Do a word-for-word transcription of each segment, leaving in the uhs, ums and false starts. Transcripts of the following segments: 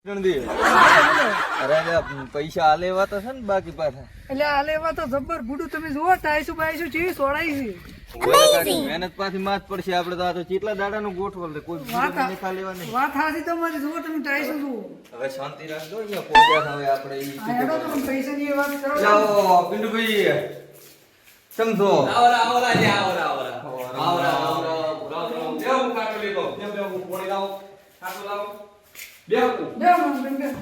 પૈસા આલેવા તો છે ને બાકી પાછા એટલે આલેવા તો જબર બુડું તમે જુઓ ટાઈસુ બાઈસુ ચીવી સોડાઈ છે મહેનત પાછી માથ પડશે આપણે તો આ તો કેટલા દાડાનું ગોઠવલ કોઈ નિખા લેવા નહીં વાત હાસી તમારી જુઓ તમે ટાઈસુ જુઓ હવે શાંતિ રાખજો અહીંયા પહોંચ્યા હવે આપણે ઈ હેડો તમે પૈસાની એ વાત કરો લાવો પિન્ટુભાઈ સમજો આવરા આવરા લે આવરા આવરા આવરા આવરા રામ દેવ કાટો લેતો દેવ દેવ પોણી લાવો કાટો લાવો દેવ બે મન બે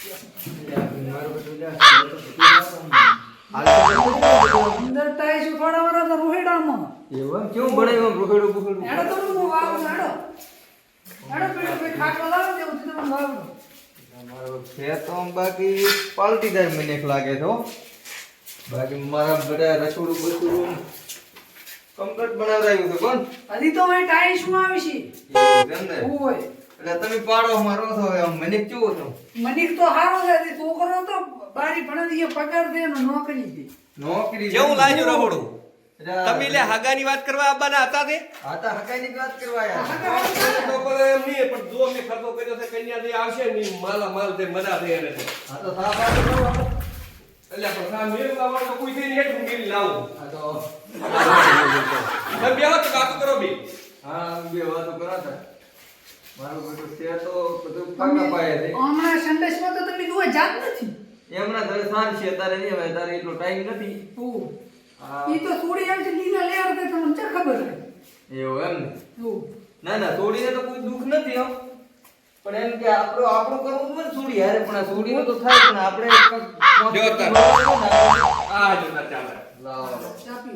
અંદર ટાઈસુ થોડા વરા તો રોહેડામાં એવું કેવું બનાવ્યું રોકડું બુકડું હેડો તો હું વાવ હેડો હેડો પેલો કોઈ ખાટલો લાવો દેવું તમે વાવ તમારો છે તો બાકી પાલટીદાર મને એક લાગે તો બાકી મારા બધા રસોડું બસોડું કમ્પ્લીટ બનાવડાવ્યું છે કોણ હજી તો મેં ટાઈસમાં આવી છે એવું છે ને ઓય એટલે તમે પાડો મારો છો હવે મને કેવો છો મનિક તો હારો છે છોકરો તો બારી ભણે પગાર દે ને નોકરી દે નોકરી કેવું લાગ્યું રહોડું એટલે તમે લે હગાની વાત કરવા આવવાના હતા તે હા તો હકાઈની વાત કરવા યાર તો બોલે એમ નહીં પણ જો મે ખર્ચો કર્યો છે કન્યા દે આવશે નહીં માલા માલ દે મજા દે એને હા તો સાફ વાત કરો એટલે પણ સા મેલ લાવવાનો તો કોઈ થઈને હેઠું ગીરી લાવું હા તો તમે બેહો તો વાતો કરો બી હા બે વાતો કરો તા મારું બધું છે તો બધું પાકા પાયે છે હમણાં સંદેશમાં તો તમે જોવા જાત નથી એમના ઘરે સાંજ છે તારે નહીં હવે તારે એટલો ટાઈમ નથી ઓ હા ઈ તો થોડી આવી છે લીલા લેર તે તમને ચા ખબર છે એવું એમ ને ઓ ના ના સોડીને તો કોઈ દુઃખ નથી હો પણ એમ કે આપણો આપણું કરવું હોય ને સોડી હારે પણ આ સોડીનું તો થાય પણ આપણે જો તાર. આ જો ના ચાલે લાવો ચાપી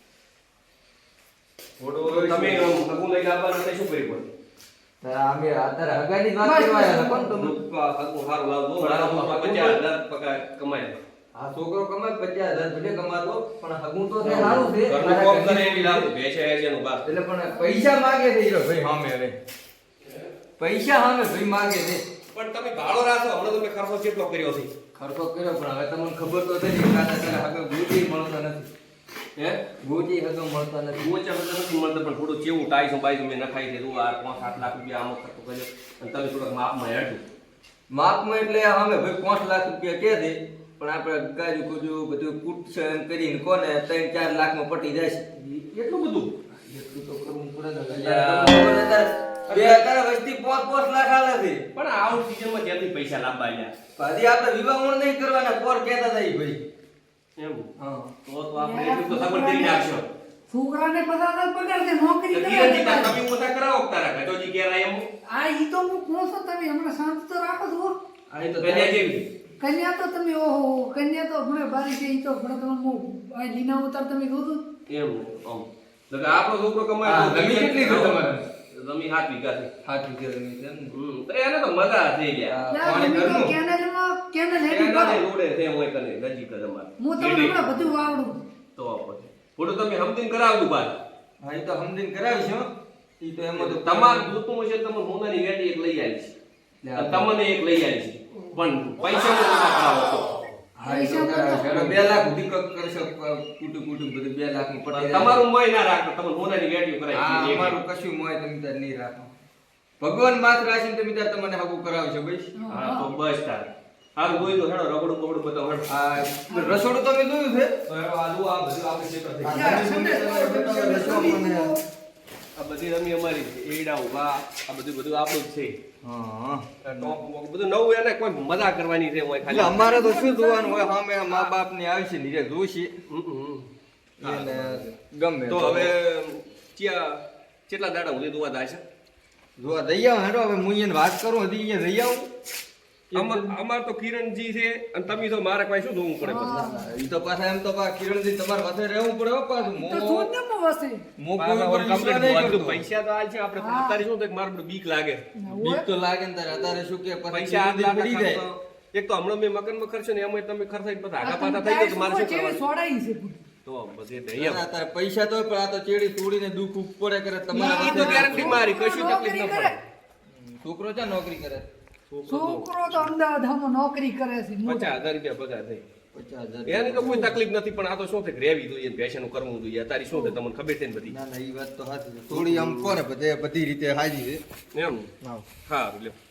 ઓડો તમે હગું લઈને આવવાના તો શું કરી પડે અમે અત્યારે હગાની વાત કરવા આવ્યા કોણ તમે હગું હારું લાવજો બરાબર પચાસ હજાર પગાર કમાય આ છોકરો કમાય પચાસ હજાર ભલે કમાતો પણ હગું તો છે સારું છે ઘરનું કામ કરે એવી લાવું બેસે છે એનું બાપ એટલે પણ પૈસા માંગે છે હીરો ભાઈ સામે હવે પૈસા સામે ભાઈ માંગે છે પણ તમે ભાડો રાખો હમણાં તમે ખર્ચો કેટલો કર્યો છે ખર્ચો કર્યો પણ હવે તમને ખબર તો છે ને કાતા તારે હગે ગોજી મળતો નથી હે ગોજી હગે મળતો નથી ગોચા બધા નથી મળતા પણ થોડું ચેવું ટાઈસો બાઈસો મેં નખાઈ દીધું આ પાંચ સાત લાખ રૂપિયા આમાં ખર્ચો કર્યો અને તમે થોડાક માપમાં હેડું માપમાં એટલે સામે ભાઈ પાંચ લાખ રૂપિયા કે છે પણ આપણે ગાજુ કુજુ બધું કૂટશન કરીને કોને ત્રણ ચાર લાખમાં પટી જાય છે એટલું બધું એટલું તો કરવું પડે ને બે હજાર વસ્તી પાંચ પાંચ લાખ આલે છે પણ આઉટ સીઝનમાં ત્યાંથી પૈસા લાવવા આવ્યા હજી આપણે વિવાહ ઊણ નહીં કરવાના પોર કહેતા હતા ઈ ભાઈ એમ હા તો તો આપણે એટલું તો સગવડ કરી નાખશો છોકરાને પચાસ હજાર પગાર દે નોકરી તો કરે ધીરે ધીરે તમે ઓછા કરાવો તારા કટોજી ઘેર એમ આ ઈ તો હું કોણ છો તમે હમણાં શાંત તો રાખો છો આ તો કન્યા જેવી કન્યા તો તમે ઓહો કન્યા તો હમણાં બારી છે ઈ તો હમણાં તમે હું આ લીના ઉતાર તમે જોજો એમ આમ તો કે આપણો છોકરો કમાય હા, તો જમીન કેટલી છે તમારે? જમીન હાથ વીઘા છે હાથ વિચાર ની છે ને હમ તો એને તો મજા થઈ ગયા લા, પાણી તમે તો ઘરનું? કેનેલમાં કેનેલ હેડી એના કરો. રોડે છે હોય કને નજીક જ અમાર હું તમને હમણાં બધું વાવડું તો પછી થોડું તમે સમજીને કરાવજો બાદ હા ઈ તો સમજીને કરાવીશું ઈ તો એમાં તો તમાર જોતું હશે તમે મોનાની ગાડી એક લઈ આવી છે અને તમને એક લઈ આવી છે પણ પૈસા નો કરાવો તો હા ઈ તો કરાવીશું. એટલે બે લાખ સુધી કક કરશો કુટુંબ કુટુંબ બધું બે લાખ માં પટી જાય. તમારું મોય ના રાખો તમે મોનાની ગાડીઓ હા કરાવી છે અમારું કશું મોય તમે તાર નહીં રાખો ભગવાન માત્ર રાખીને તમે તાર તમને હગું કરાવશો ભાઈ હા તો બસ તાર હારું જોઈ તો હેડો રગડું બગડું બધું હેડો આ રસોડું તમે જોયું છે તો હેડો આ જુઓ આ બધું આપણે ક્ષેત્ર થઈ ગયું. યા, સંદેશ કરો, સંદેશ કરો. આ બધી રમી અમારી છે એડા ઉભા આ બધું બધું આપણું જ છે હા ટોપ બોપ બધું નવું એને કોઈ મજા કરવાની છે હોય એટલે ખાલી અમારે તો શું જોવાનું હોય સામે મા બાપ ની આવી છે નીરે જોશી હમ, હમ. એને ગમે તો હવે ચિયા કેટલા દાડા સુધી જોવા જાય છે જોવા દઈ આવો હેડો હવે હું એને વાત કરું હજી અહીંયા જઈ આવું અમાર અમાર તો કિરણજી છે અને તમે તો મારે કોઈ શું જોવું પડે પછી ઈ તો પાછા એમ તો પા કિરણજી તમારે પાસે રહેવું પડે હો પાછું તો મો શૂન્યમાં વસે. મો મારા કોઈ વર ઉપર complete વિશ્વાસ નહીં બધું કરતો. પૈસા તો આલ છે આપણે હા. અત્યારે શું થાય કે મારે બધું બીક લાગે બીક તો લાગે ને તારે અત્યારે શું કે પછી પૈસા આઠ લાખ પડી જાય ખર્ચો. એક તો હમણાં મેં મગનમાં ખર્ચો ને એમાં તમે ખર્ચાઈને પછી આગા આ પાછા તમે થઈ જાય તો મારે શું ટાઈસ ઉપર કરવાનું ચેવી સોડાઈ છે પૂરી. તો પછી ના, દઈએ ના, તારે પૈસા તો પણ આ તો ચેડી તોડીને દુઃખ ઉપડે કરે ઈ તમારા તો પાસે ગેરંટી મારી કશું તકલીફ ન પડે છોકરો છે નોકરી કરે છોકરો તો અમદાવાદમાં નોકરી કરે છે મોટો. પચાસ હજાર રૂપિયા પગાર થઈ પચાસ હજાર એની તો કોઈ તકલીફ નથી પણ આ તો શું થાય કે રહેવી જોઈએ ને પેશનનું કરવું જોઈએ તારી શું થાય તમને ખબર છે ને બધી ના ના ઈ વાત તો સાચી છે થોડી આમ કોને બધે બધી રીતે હાજી છે એમ હા સારું લ્યો